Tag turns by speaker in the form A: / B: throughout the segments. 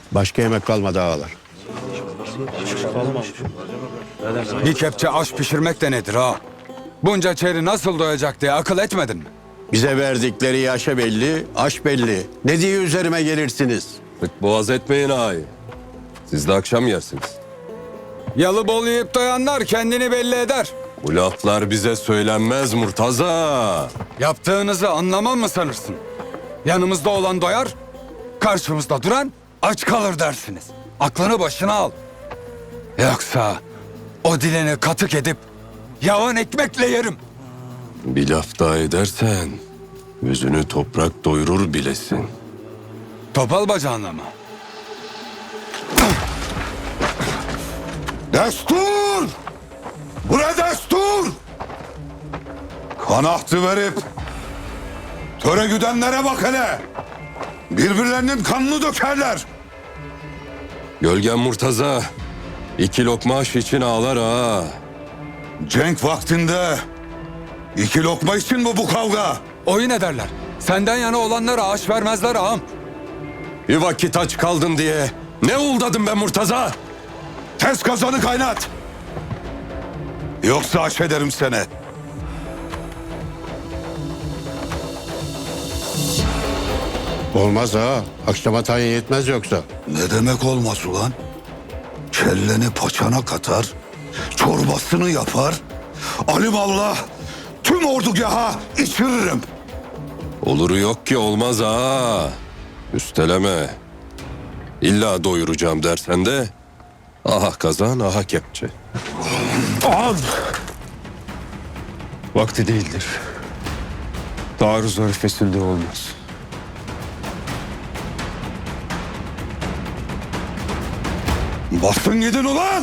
A: Başka yemek kalmadı ağalar.
B: Bir kepçe aş pişirmek de nedir ha? Bunca çeri nasıl doyacak diye akıl etmedin mi?
A: Bize verdikleri yaşa belli, aş belli. Ne diye üzerime gelirsiniz?
C: Tık boğaz etmeyin ağayı. Siz de akşam yersiniz.
B: Yalı bol yiyip doyanlar kendini belli eder.
C: Bu laflar bize söylenmez Murtaza.
B: Yaptığınızı anlamam mı sanırsın? Yanımızda olan doyar, karşımızda duran aç kalır dersiniz. Aklını başına al. Yoksa o dilini katık edip yavan ekmekle yerim.
C: Bir laf daha edersen yüzünü toprak doyurur bilesin.
B: Topal bacağınla mı?
D: Destur! Bura destur! Kanahtı verip töre güdenlere bak hele. Birbirlerinin kanını dökerler.
C: Gölgen Murtaza 2 lokma aş için ağlar ha.
D: Cenk vaktinde 2 lokma için mi bu kavga?
B: Oyun ederler. Senden yana olanlara aş vermezler ağam.
C: Bir vakit aç kaldın diye ne uldadım ben Murtaza?
D: Tez kazanı kaynat. Yoksa aş ederim seni.
A: Olmaz ha. Akşama tayin yetmez yoksa.
D: Ne demek olmaz ulan? Kelleni paçana katar, çorbasını yapar, alimallah tüm ordugaha içiririm.
C: Oluru yok ki olmaz ha. Üsteleme. İlla doyuracağım dersen de aha kazan aha kepçe.
D: Al!
E: Vakti değildir. Taarruz arifesinde olmaz.
D: Basın gidin ulan!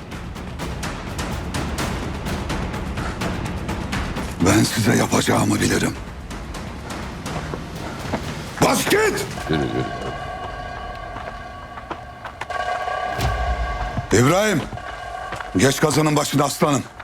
D: Ben size yapacağımı bilirim. Bas git!
C: Yürü yürü.
D: İbrahim, geç kazanın başına aslanım.